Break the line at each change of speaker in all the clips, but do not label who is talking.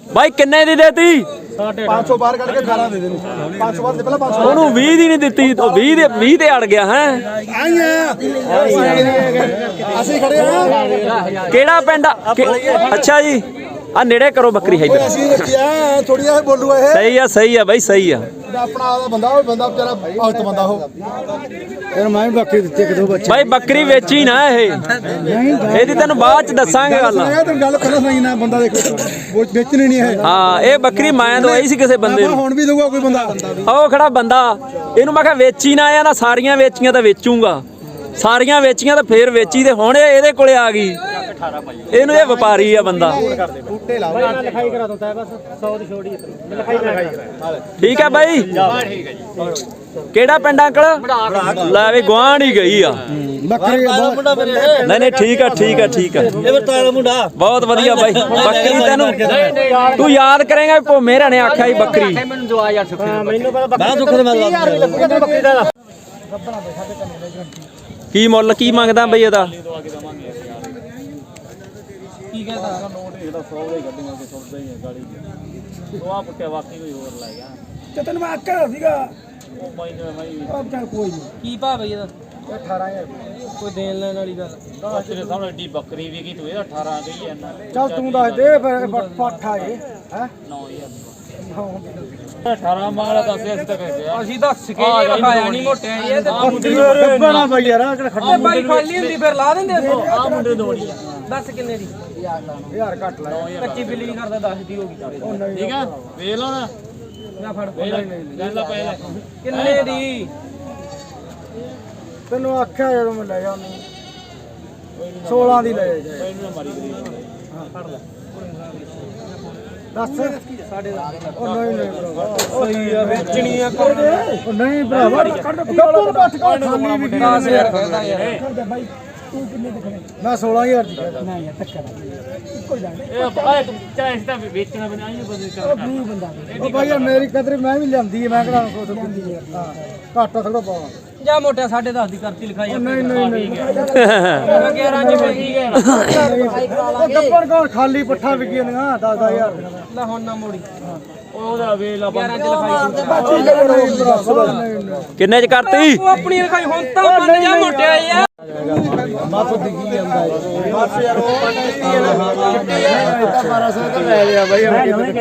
ਬਾਈ ਕਿੰਨੇ ਦੀ ਦੇਤੀ
500 ਬਾਹਰ ਕੱਢ ਕੇ 18 ਦੇ ਦੇਣੀ 500 ਬਾਹਰ ਦੇ ਪਹਿਲਾਂ 500
ਉਹਨੂੰ 20 ਦੀ ਨਹੀਂ ਦਿੱਤੀ ਉਹ 20 ਤੇ ਅੜ ਗਿਆ ਹੈ
ਅਸੀਂ ਖੜੇ ਆ
ਕਿਹੜਾ ਪਿੰਡ ਅੱਛਾ ਜੀ ਆ ਨੇੜੇ ਕਰੋ ਬੱਕਰੀ ਹੈ
ਅਸੀਂ ਰੱਖਿਆ ਥੋੜੀ ਜਿਹਾ ਬੋਲੂਗਾ ਇਹ
ਸਹੀ ਆ ਬਾਈ ਸਹੀ ਆ
ਆਪਣਾ ਆਦਾ ਬੰਦਾ ਉਹ ਬੰਦਾ ਵਿਚਾਰਾ ਭਗਤ ਬੰਦਾ ਉਹ ਫਿਰ ਮੈਂ ਬੱਕਰੀ ਦਿੱਤੀ ਇੱਕ ਦੋ ਬੱਚੇ
ਬਾਈ ਬੱਕਰੀ ਵੇਚੀ ਨਾ ਇਹ ਇਹਦੀ ਤੈਨੂੰ ਬਾਅਦ ਚ ਦੱਸਾਂਗੇ ਗੱਲ
ਤੈਨੂੰ ਗੱਲ ਪਹਿਲਾਂ ਸੁਣੀ ਨਾ ਬੰਦਾ ਦੇਖੋ ਵੇਚਣੀ ਨਹੀਂ ਇਹ
ਹਾਂ ਇਹ ਬੱਕਰੀ ਮੈਂ ਦਵਾਈ ਸੀ ਕਿਸੇ ਬੰਦੇ ਨੂੰ
ਹੁਣ ਵੀ ਦਊਗਾ ਕੋਈ ਬੰਦਾ
ਉਹ ਖੜਾ ਬੰਦਾ ਇਹਨੂੰ ਮੈਂ ਕਿਹਾ ਵੇਚੀ ਨਾ ਆ ਨਾ ਸਾਰੀਆਂ ਵੇਚੀਆਂ ਤਾਂ ਵੇਚੂਗਾ ਸਾਰੀਆਂ ਵੇਚੀਆਂ ਤਾਂ ਫੇਰ ਵੇਚੀ ਤੇ ਹੁਣ ਇਹਦੇ ਕੋਲੇ ਆ ਗਈ ਇਹਨੂੰ ਇਹ ਵਪਾਰੀ ਆ ਬੰਦਾ
ਲਿਖਾਈ ਕਰਾ ਦਿੰਦਾ ਬਸ 100 ਦੀ ਛੋੜੀ
ਠੀਕ ਆ ਬਾਈ ਕਿਹੜਾ ਪਿੰਡ ਅੰਕਲ ਲੈ ਵੀ ਗੁਆਂਢ ਹੀ ਗਈ ਆ
ਬੱਕਰੀ
ਨਹੀਂ ਨਹੀਂ ਠੀਕ ਆ ਠੀਕ ਆ ਠੀਕ ਆ
ਇਹ ਤਾਰਾ ਮੁੰਡਾ
ਬਹੁਤ ਵਧੀਆ ਬਾਈ ਬੱਕਰੀ ਤੈਨੂੰ ਤੂੰ ਯਾਦ ਕਰੇਗਾ ਭੋ ਮੇਰਾ ਨੇ ਆਖਿਆ ਸੀ ਬੱਕਰੀ
ਮੈਨੂੰ ਦਵਾ ਯਾਰ ਸੁੱਖੇ
ਮੈਨੂੰ ਪਤਾ ਬੱਕਰੀ ਸੁੱਖ ਦੇ ਮੈਂ ਬੱਕਰੀ ਦਾ
ਕੀ ਮੁੱਲ ਕੀ ਮੰਗਦਾ ਬਈ ਇਹਦਾ
ਕੀ ਕਹਿੰਦਾ ਨੋਟ ਇਹਦਾ 100 ਦਾ ਹੀ ਕੱਢੀਆਂ ਕਿ ਸੁੱਟਦਾ ਹੀ ਹੈ ਗਾਲੀ ਉਹ ਆ ਪੁੱਟਿਆ ਵਾਕਈ ਕੋਈ ਹੋਰ ਲੈ ਗਿਆ
ਤੇ ਤੈਨੂੰ ਮੈਂ ਆਖਿਆ ਸੀਗਾ
ਉਹ ਮੈਂ
ਉਹ ਚੱਲ ਕੋਈ ਨਹੀਂ
ਕੀ ਭਾਅ ਬਈ ਇਹਦਾ
18000
ਕੋਈ ਦੇਣ ਲੈਣ ਵਾਲੀ ਗੱਲ ਤੇਰੇ ਸਾਹਮਣੇ ਏਡੀ ਬੱਕਰੀ ਵੀ ਕੀ ਤੂੰ ਇਹਦਾ 18 ਕਹੀ ਜਾਂਦਾ
ਚੱਲ ਤੂੰ ਦੱਸ ਦੇ ਫਿਰ ਪੱਠਾ ਇਹ ਹੈ
9000 18 ਮਾਲਾ ਦੱਸਿਆ ਅਸੀਂ ਤਾਂ ਕਹਿੰਦੇ ਆ
ਅਸੀਂ ਦੱਸ ਕੇ ਲਿਖਾਇਆ ਨਹੀਂ ਮੋਟਿਆ ਇਹ ਤੇ
ਗੱਬਣਾ ਬਾਈ ਯਾਰ ਕਿਹੜਾ ਖੱਟਾ
ਬਾਈ ਖਾਲੀ ਹੁੰਦੀ ਫਿਰ ਲਾ ਦਿੰਦੇ ਅਸੀਂ
ਆ ਮੁੰਡੇ ਦੋਣੀ ਆ
ਦੱਸ ਕਿੰਨੇ ਦੀ
ਯਾਰ ਘੱਟ ਲੈ
ਕੱਚੀ ਬਿੱਲੀ ਨਹੀਂ ਕਰਦਾ 10 ਦੀ ਹੋ ਗਈ
ਠੀਕ ਆ ਵੇਖ ਲਓ ਨਾ
ਨਾ ਫੜ
ਲੈ ਲਾ ਪਹਿਲਾਂ
ਕਿੰਨੇ ਦੀ
ਤੈਨੂੰ ਆਖਿਆ ਜਦੋਂ ਮੈਂ ਲੈ ਜਾਣੀ 16 ਦੀ ਲੈ ਜਾ
ਪਹਿਲਾਂ ਮਾਰੀ ਗਰੀ
ਫੜ ਲੈ
ਦੱਸ
ਸਾਡੇ
ਉਹ ਨਹੀਂ ਨਹੀਂ ਭਰਾਵਾ
ਸਹੀ ਆ ਵੇਚਣੀ ਆ
ਉਹ ਨਹੀਂ ਭਰਾਵਾ ਗੱਬਰ ਬੱਠ ਕੋ ਖਾਲੀ ਵੀ
10000 ਕਹਿੰਦਾ ਯਾਰ
ਬਾਈ ਤੂੰ ਕਿੰਨੇ ਦੇ ਖੜੇ ਮੈਂ 16000 ਦੀ ਕਹਿੰਦਾ ਨਹੀਂ ਯਾਰ ਟੱਕਰ ਇੱਕੋ ਹੀ ਜਾਣੇ
ਇਹ ਆਏ ਤੂੰ ਚਾਹੇ ਇਸ ਤਾਂ ਵੇਚਣਾ ਬਣਾ ਹੀ ਬੰਦੇ
ਉਹ ਗਰੀਬ ਬੰਦਾ ਉਹ ਬਾਈ ਯਾਰ ਮੇਰੀ ਕਦਰ ਮੈਂ ਵੀ ਲਿਆਂਦੀ ਹੈ ਮੈਂ ਕਿਹੜਾ ਕੁਛ ਲਿਆਂਦੀ ਹੈ ਹਾਂ ਘਾਟਾ ਥੋੜਾ ਪਾਵਾਂ
ਜਾ ਮੋਟਿਆ 10.5 ਦੀ ਕਰਤੀ ਲਿਖਾਈ
ਨਹੀਂ ਨਹੀਂ ਨਹੀਂ
11 ਚ ਪਈ
ਉਹ ਗੱਬਰ ਕੋਲ ਖਾਲੀ ਪੱਠਾ ਵਿਕੀ ਨਾ 10000
ਲੈ ਹੁਣ ਨਾ ਮੋੜੀ
ਉਹਦਾ ਵੇਲਾ
11 ਚ ਲਿਖਾਈ
ਕਿੰਨੇ ਚ ਕਰਤੀ
ਤੂੰ ਆਪਣੀ ਲਿਖਾਈ ਹੁਣ ਤਾਂ ਮੰਨ ਜਾ ਮੋਟਿਆ ਯਾਰ
ਬਸ ਦਿਖੀ ਜਾਂਦਾ ਹੈ ਬਸ ਯਾਰ ਉਹ ਤਾਂ 1200 ਤਾਂ ਲੈ ਲਿਆ ਬਾਈ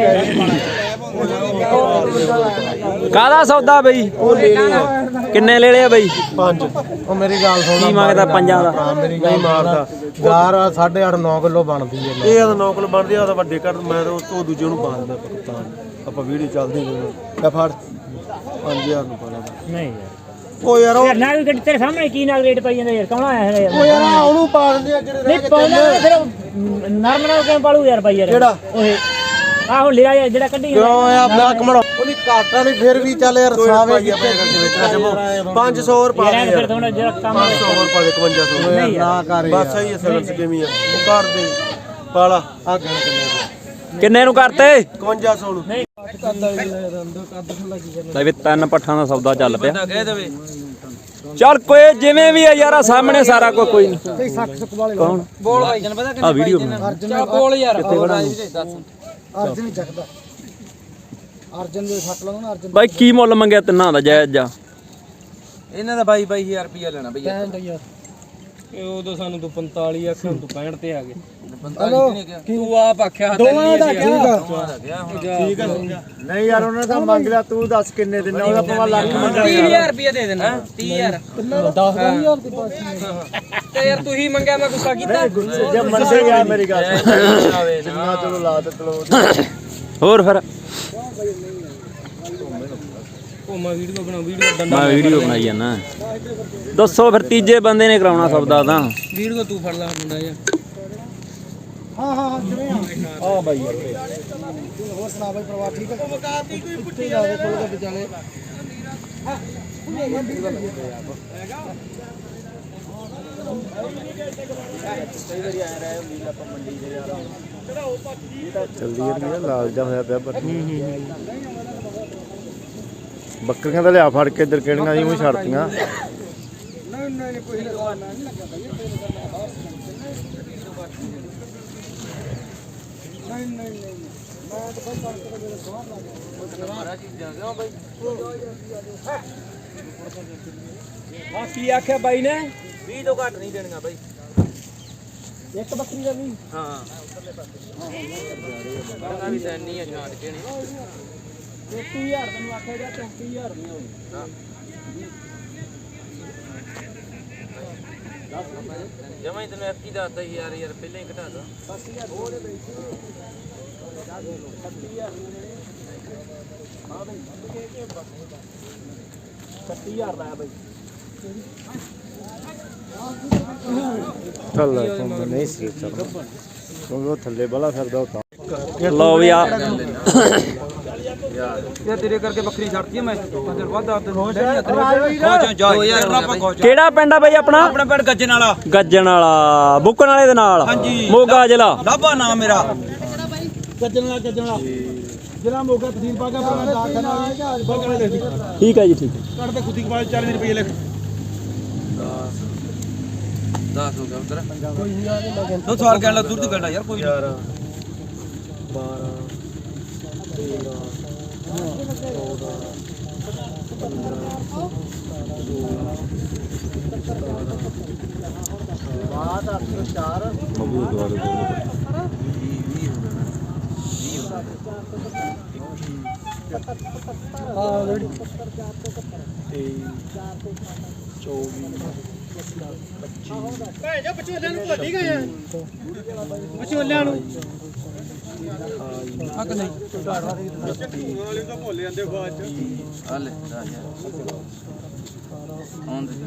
ਕਾਹਦਾ ਸੌਦਾ ਬਈ ਕਿੰਨੇ ਲੈ ਲਿਆ ਬਈ
5 ਉਹ ਮੇਰੀ ਗੱਲ ਸੁਣ
ਕੀ ਮੰਗਦਾ ਪੰਜਾਂ ਦਾ
ਮੇਰੀ ਗੱਲ ਮਾਰਦਾ ਯਾਰ 8.5 9 ਕਿਲੋ ਬਣਦੀ ਹੈ ਇਹ ਤਾਂ 9 ਕਿਲੋ ਬਣਦੀ ਆ ਤਾਂ ਵੱਡੇ ਕਰ ਮੈਂ ਤਾਂ ਉਹ ਦੂਜੇ ਨੂੰ ਪਾ ਦਿੰਦਾ ਪਾਕਿਸਤਾਨ ਆਪਾਂ ਵੀਡੀਓ ਚੱਲਦੀ ਗਈ ਤੇ ਫੜ 5000 ਨੂੰ ਪਾਣਾ
ਨਹੀਂ
ਉਹ ਯਾਰ ਉਹ
ਨਾਲ ਗੱਡੀ ਤੇਰੇ ਸਾਹਮਣੇ ਕੀ ਨਾਲ ਰੇਟ ਪਾਈ ਜਾਂਦਾ ਯਾਰ ਕੌਣ ਆਇਆ ਹੈ
ਉਹ ਯਾਰ ਉਹਨੂੰ ਪਾ ਦਿੰਦੇ ਆ ਜਿਹੜੇ
ਨਹੀਂ ਪਾਉਣਾ ਫਿਰ ਨਰਮ ਨਾਲ ਕਿਵੇਂ ਪਾਲੂ ਯਾਰ ਬਾਈ ਯਾਰ
ਕਿਹੜਾ
ਓਏ ਆਹੋ ਲਿਆ ਯਾਰ ਜਿਹੜਾ ਕੱਢੀ
ਕਿਉਂ ਆ ਮੈਂ ਕਮੜੋ ਉਹਦੀ ਕਾਟਾ ਨਹੀਂ ਫਿਰ ਵੀ ਚੱਲ ਯਾਰ ਸਾਵੇ ਆਪਣੇ ਕਰਕੇ ਵੇਚਣਾ ਜਮੋ 500 ਰੁਪਏ
ਯਾਰ ਫਿਰ ਥੋੜਾ ਜਿਹੜਾ ਕੰਮ
500 ਹੋਰ ਪਾ ਦੇ 5500 ਨਾ ਕਰ ਬਸ ਸਹੀ ਹੈ ਸਲਸ ਕਿਵੇਂ ਆ ਉਹ ਕਰ ਦੇ ਪਾਲਾ ਆ
ਕਿੰਨੇ ਨੂੰ ਕਰਤੇ
5500 ਨੂੰ ਨਹੀਂ
ਲੈ ਵੀ ਤਿੰਨ ਪੱਠਾਂ ਦਾ ਸੌਦਾ ਚੱਲ ਪਿਆ ਚੱਲ ਕੋਈ ਜਿਵੇਂ ਵੀ ਆ ਯਾਰਾ ਸਾਹਮਣੇ ਸਾਰਾ ਕੋਈ ਨਹੀਂ
ਸਹੀ ਸੱਕ ਸੁੱਕ ਵਾਲੇ
ਕੌਣ
ਬੋਲ ਭਾਈ ਜਨ ਪਤਾ
ਆ ਵੀਡੀਓ
ਚੱਲ ਬੋਲ ਯਾਰ
ਅਰਜਨ ਹੀ ਚੱਕਦਾ ਅਰਜਨ ਦੇ ਫੱਟ ਲਾਉਣਾ ਨਾ ਅਰਜਨ
ਬਾਈ ਕੀ ਮੁੱਲ ਮੰਗਿਆ ਤਿੰਨਾਂ ਦਾ ਜਾਇਜ਼ ਜਾ
ਇਹਨਾਂ ਦਾ 22,000 ਰੁਪਇਆ ਲੈਣਾ ਬਈ ਇਹ ਉਦੋਂ ਸਾਨੂੰ ਤੂੰ 45 ਆਖਿਆ ਹੁਣ ਤੂੰ 65 ਤੇ ਆ ਗਏ 45 ਨਹੀਂ ਕਿਹਾ ਤੂੰ ਆਪ ਆਖਿਆ
ਦੋਵਾਂ ਦਾ ਠੀਕ ਆ
ਠੀਕ
ਆ ਨਹੀਂ ਯਾਰ ਉਹਨਾਂ ਦਾ ਮੰਗ ਲਿਆ ਤੂੰ ਦੱਸ ਕਿੰਨੇ ਦਿਨ ਉਹਦਾ ਪਵਾ ਲੱਖ ਮੰਗਿਆ
30,000 ਰੁਪਇਆ ਦੇ ਦੇਣਾ 30,000
10000 ਦੀ ਪਾਸ
ਤੇ ਯਾਰ ਤੂੰ ਹੀ ਮੰਗਿਆ ਮੈਂ ਗੁੱਸਾ ਕੀਤਾ
ਜੇ ਮੰਨਦੇ ਗਿਆ ਮੇਰੀ ਗੱਲ ਜਿੰਨਾ ਚਲੋ ਲਾ ਤੇ ਚਲੋ
ਹੋਰ ਫਿਰ
ਉਹ ਮੈਂ ਵੀਡੀਓ ਬਣਾ ਵੀਡੀਓ
ਮੈਂ ਵੀਡੀਓ ਬਣਾਈ ਜਾਂਦਾ ਦੱਸੋ ਫਿਰ ਤੀਜੇ ਬੰਦੇ ਨੇ ਕਰਾਉਣਾ ਸੌਦਾ ਤਾਂ
ਵੀਡੀਓ ਤੂੰ ਫੜ ਲੈ ਮੁੰਡਾ ਯਾਰ
ਹਾਂ ਕਿਵੇਂ ਆ ਬਾਈ ਹੋਰ ਸੁਣਾ ਬਾਈ ਪਰਿਵਾਰ ਠੀਕ ਹੈ ਵਕਾਤੀ ਕੋਈ ਪੁੱਠੀ ਜਾਵੇ ਕੋਲ ਦੇ ਵਿਚਾਲੇ
ਜਲਦੀ ਇਹ ਲਾਲ ਜਾ ਹੋਇਆ ਪਿਆ ਪਰ ਬੱਕਰੀਆਂ ਤਾਂ ਲਿਆ ਫੜ ਕੇ ਇੱਧਰ ਕਿਹੜੀਆਂ ਸੀ ਉਹ ਛੱਡਤੀਆਂ
ਨਹੀਂ ਕੋਈ ਨਹੀਂ ਲੱਗਾ ਬਾਈ ਨਹੀਂ
ਕੀ ਆਖਿਆ ਬਾਈ ਨੇ
20 ਤੋਂ ਘੱਟ ਨਹੀਂ ਦੇਣੀਆਂ ਬਾਈ
ਇੱਕ ਬੱਕਰੀ ਦਾ ਵੀ
ਹਾਂ ਬੜਾ ਵੀ ਤਾਂ ਨਹੀਂ ਆ ਛਾਂਟ ਕੇ ਨਹੀਂ
33000 ਤੈਨੂੰ ਆਖਿਆ ਜਾਂ 33000 ਨਹੀਂ ਹੋਈ
ਜਮਾਂ ਹੀ ਤੈਨੂੰ ਕੀ ਦੱਸਦਾ ਯਾਰ ਪਹਿਲਾਂ ਹੀ ਘਟਾ ਦੋ
30000 ਲਾਇਆ ਬਾਈ
ਚੱਲ ਨਹੀਂ ਸੀ ਚੱਲਦਾ ਕਿਉਂਕਿ ਉਹ ਥੱਲੇ ਬਲਾ ਫਿਰਦਾ ਉਹ ਤਾਂ
ਲਓ ਵੀ ਆ
ਯਾਰ ਤੇਰੇ ਕਰਕੇ ਬੱਕਰੀ ਛੱਡਤੀ ਮੈਂ ਪੰਜ ਵੱਧ ਆ ਤੈਨੂੰ ਜਾ 2000 ਆਪਾਂ
ਕਿਹੜਾ ਪਿੰਡ ਆ ਬਾਈ ਆਪਣਾ
ਆਪਣਾ ਪਿੰਡ ਗੱਜਣ ਵਾਲਾ
ਗੱਜਣ ਵਾਲਾ ਬੁੱਕਣ ਵਾਲੇ ਦੇ ਨਾਲ
ਹਾਂਜੀ।
ਮੋਗਾ ਜ਼ਿਲ੍ਹਾ
ਲਾਭਾ ਨਾਮ ਮੇਰਾ
ਜ਼ਿਲ੍ਹਾ ਮੋਗਾ ਤਹਿਸੀਲ ਬਾਗਾ ਬਾਗਾ ਦੇ
ਠੀਕ ਹੈ ਜੀ ਠੀਕ ਹੈ
ਕੱਢ ਤੇ ਖੁੱਦੀ ਕਬਾਲ 40 ਰੁਪਏ ਲਿਖ
10 ਹੋ ਗਿਆ ਉਧਰ ਤੂੰ ਸਵਾਲ ਕਹਿਣ ਲਾ ਦੂਰ ਦੀ ਗੱਲ ਯਾਰ ਕੋਈ
11 12 13
ਆ ਕਿ ਨਹੀਂ ਹਾਲੇ ਆਉਣ ਦੇ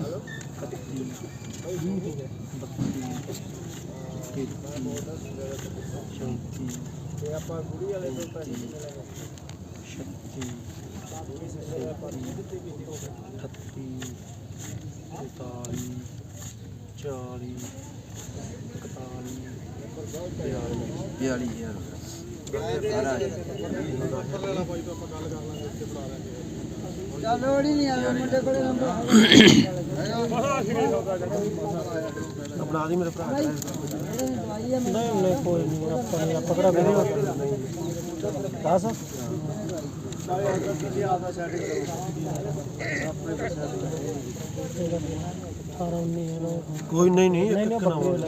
ਬਣਾ ਦੀ ਮੇਰੇ ਭਰਾ ਨਹੀਂ ਕੋਈ ਨਹੀਂ ਆਪਾਂ ਕਿਹੜਾ ਵੇਲੇ 10 ਕੋਈ ਨਹੀਂ ਨਹੀਂ ਇੱਕ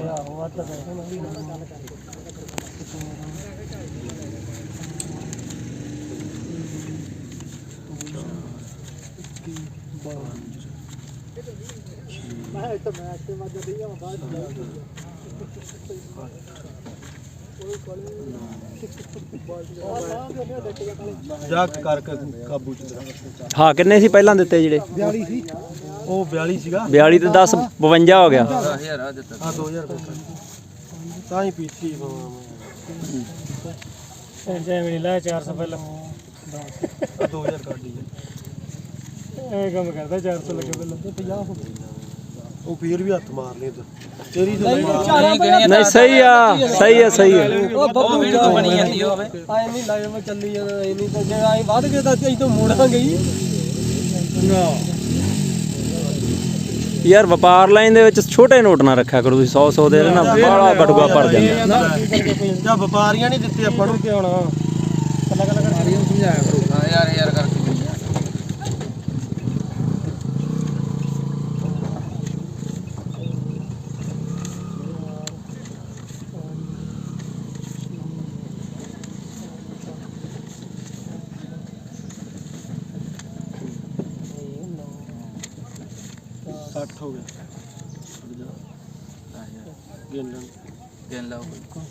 ਜਾ ਕਰਕੇ ਕਾਬੂ ਚ
ਹਾਂ ਕਿੰਨੇ ਸੀ ਪਹਿਲਾਂ ਦਿੱਤੇ ਜਿਹੜੇ
42 ਸੀ ਉਹ 42 ਸੀਗਾ
42 ਤੇ 10 52 ਹੋ ਗਿਆ
10000 ਆ ਦਿੱਤਾ
ਆ 2000 ਰੁਪਏ ਤਾਂ ਹੀ ਪੀਤੀ
ਜੈਵੇਂ ਲਾ 400 ਪਹਿਲਾਂ
2000 ਕੱਢ ਲਈ
ਇਹ ਕੰਮ ਕਰਦਾ 400 ਲੱਗੇ ਪਹਿਲਾਂ
50 ਹੋ ਗਈ ਉਹ ਫੇਰ ਵੀ ਹੱਥ ਮਾਰ ਲਏ ਤੇਰੀ ਤਾਂ
ਨਹੀਂ ਸਹੀ ਹੈ ਸਹੀ ਹੈ
ਉਹ ਵੀਡੀਓ ਬਣੀ ਜਾਂਦੀ ਹੋਵੇ
ਆਏ ਨਹੀਂ ਲਾਈਵ ਮੈਂ ਚੱਲੀ ਜਾਂਦਾ ਇਹ ਨਹੀਂ ਤਾਂ ਜੇ ਆਏ ਵੱਧ ਗਏ ਤਾਂ ਅਸੀਂ ਤੋਂ ਮੋੜਾਂਗੇ ਹੀ
ਯਾਰ ਵਪਾਰ ਲਾਈਨ ਦੇ ਵਿੱਚ ਛੋਟੇ ਨੋਟ ਨਾ ਰੱਖਿਆ ਕਰੋ ਤੁਸੀਂ 100 ਦੇ ਨਾ ਬਾਲਾ ਬਟੂਆ ਭਰ ਜਾਂਦਾ
ਜਾਂ ਵਪਾਰੀਆਂ ਨਹੀਂ ਦਿੱਤੇ ਆਪਾਂ ਨੂੰ
ਕਿ ਹੁਣ ਕੱਲਾ ਕੱਲਾ ਕਰ ਸਾਰੀਆਂ ਸਮਝਾਇਆ ਕਰੋ
ਹਾਂ ਯਾਰ ਕਰਕੇ
हो गया
गेंद लाओ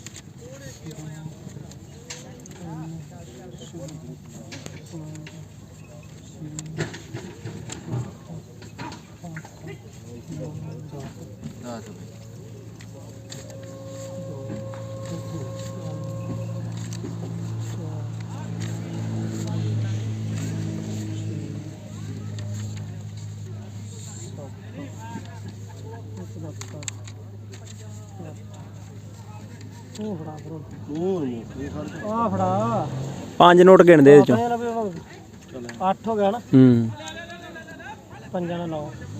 ਉਹ ਫੜਾ ਬਰੋ
ਹੋਰ ਮੋਟੇ ਖੜ
ਆ ਫੜਾ
5 ਨੋਟ ਗਿਣਦੇ ਇਹਦੇ ਚੋਂ
8 ਹੋ ਗਿਆ ਨਾ
ਹੂੰ
ਪੰਜਾਂ ਦਾ 9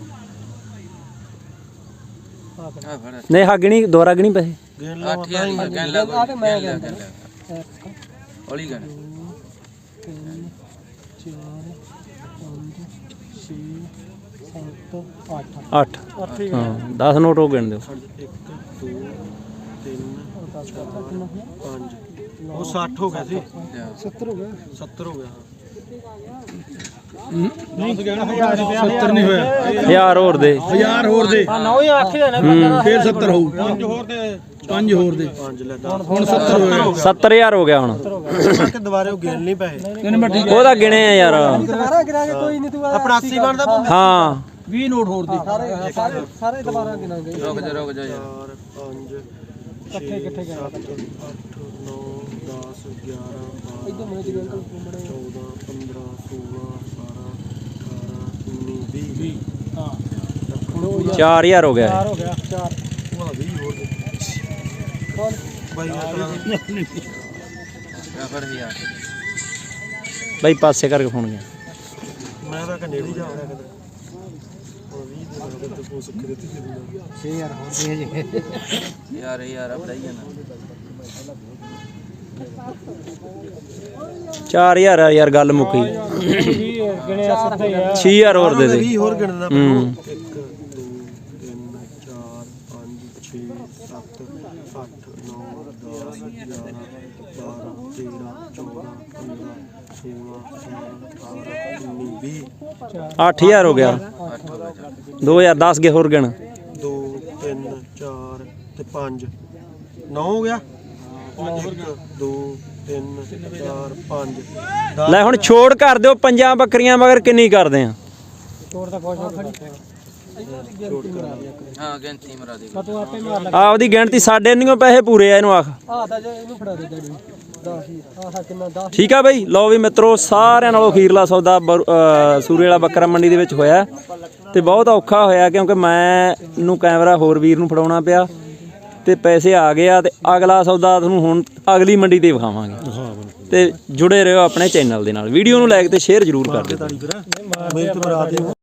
ਆ ਫੜ
ਨਹੀਂ ਹਾਂ ਗਿਣੀ ਦੁਬਾਰਾ ਗਿਣੀ ਪੈਸੇ
ਗੇਨ ਲਾ
ਆ ਠੀਕ ਹੈ गेंद ला
ਆ ਕੇ ਮੈਂ ਗਿਆ
ਹੌਲੀ ਗਣ
8 ਹਾਂ 10 ਨੋਟ ਹੋ ਗਿਣ ਦਿਓ
1 2 3 4 5 ਉਹ 60 ਹੋ ਗਿਆ ਸੀ 70 ਹੋ ਗਿਆ 70 ਹੋ ਗਿਆ
ਯਾਰ ਹੋਰ ਦੇ
1000 ਹੋਰ ਦੇ
ਫੇਰ
70 ਹੋਊ 5 ਹੋਰ ਦੇ 5 ਹੋਰ ਦੇ 5 ਲੈ ਹੁਣ 70 ਹੋ ਗਿਆ
70000 ਹੋ ਗਿਆ ਹੁਣ
ਕਿ ਦੁਬਾਰੇ ਉਹ ਗਿਣ ਨਹੀਂ ਪੈਸੇ
ਉਹਦਾ ਗਿਣੇ ਆ ਯਾਰ
ਦੁਬਾਰਾ ਗਿਰਾਂਗੇ ਕੋਈ ਨਹੀਂ ਤੂੰ
85 ਬਣਦਾ
ਹਾਂ
20 ਨੋਟ ਹੋਰ ਦੇ
ਸਾਰੇ ਦੁਬਾਰਾ ਗਿਣਾਂਗੇ
ਰੁਕ ਜਾ
4 5
ਇਕੱਠੇ ਗਿਣਾ
8 9 10 11
ਇਦੋਂ ਮੈਨੂੰ ਜਿਵੇਂ ਅੰਕਲ
14 15 16 17 18 19 20 ਹਾਂ
4000 ਹੋ ਗਿਆ
ਹੋ ਗਿਆ 4
ਉਹ 20 ਹੋਰ ਦੇ ਬਾਈ
ਫੜ ਯਾਰ
ਬਾਈ ਪਾਸੇ ਕਰਕੇ ਫੋਨ ਗਿਆ
ਮੈਂ ਤਾਂ ਕਨੇੜੀ ਜਾ ਰਿਹਾ ਕਦੇ ਉਹ 20 ਦੇ ਨਾਲ ਤੇ ਪੋਸ ਕਰੇ ਤੇ
6000 ਹੋਰ ਦੇ ਜੇ
ਯਾਰ ਬੜਾਈ ਜਾਣਾ
4000 ਯਾਰ ਗੱਲ ਮੁੱਕੀ
ਗਿਣਿਆ ਸਿੱਧਾ ਹੀ ਆ
6000 ਹੋਰ ਦੇ ਦੇ
20 ਹੋਰ ਗਿਣਦਾ
ਹੂੰ
1 2 3 4 5 6 7 8 9 10 11 12 13 14 15 16 17 18 19 20
8000 ਹੋ ਗਿਆ 2010 ਗੇ ਹੋਰ ਗਿਣ
2 3 4 ਤੇ 5 9 ਹੋ ਗਿਆ 1 2 3 4 5
ਲੈ ਹੁਣ ਛੋੜ ਕਰ ਦਿਓ ਪੰਜਾਂ ਬੱਕਰੀਆਂ ਮਗਰ ਕਿੰਨੀ ਕਰਦੇ ਆ
ਛੋੜ ਤਾਂ ਕੁਛ ਨਹੀਂ
ਹਾਂ ਗਿਣਤੀ ਮਰਾ ਦੇ
ਤੂੰ ਆਪੇ ਮਾਰ ਲੈ
ਆਪਦੀ ਗਿਣਤੀ ਸਾਡੇ ਨਹੀਂ ਪੈਸੇ ਪੂਰੇ ਆ ਇਹਨੂੰ ਆਖ
ਆ ਤਾਂ ਜੇ ਇਹਨੂੰ ਫੜਾ ਦੇ ਡੈਡੀ 10 ਹੀ ਆਹ ਕਿੰਨਾ 10
ਠੀਕ ਆ ਬਈ ਲਓ ਵੀ ਮਿੱਤਰੋ ਸਾਰਿਆਂ ਨਾਲੋਂ ਅਖੀਰਲਾ ਸੌਦਾ ਸੂਰੇ ਵਾਲਾ ਬੱਕਰਾ ਮੰਡੀ ਦੇ ਵਿੱਚ ਹੋਇਆ ਤੇ ਬਹੁਤ ਔਖਾ ਹੋਇਆ ਕਿਉਂਕਿ ਮੈਨੂੰ ਕੈਮਰਾ ਹੋਰ ਵੀਰ ਨੂੰ ਫੜਾਉਣਾ ਪਿਆ ਤੇ ਪੈਸੇ ਆ ਗਏ ਆ ਤੇ ਅਗਲਾ ਸੌਦਾ ਤੁਹਾਨੂੰ ਹੁਣ ਅਗਲੀ ਮੰਡੀ ਤੇ ਵਿਖਾਵਾਂਗੇ ਤੇ ਜੁੜੇ ਰਹੋ ਆਪਣੇ ਚੈਨਲ ਦੇ ਨਾਲ ਵੀਡੀਓ ਨੂੰ ਲਾਈਕ ਤੇ ਸ਼ੇਅਰ ਜ਼ਰੂਰ ਕਰ ਦਿਓ
ਮਿਹਨਤ ਮਰਾ ਦੇ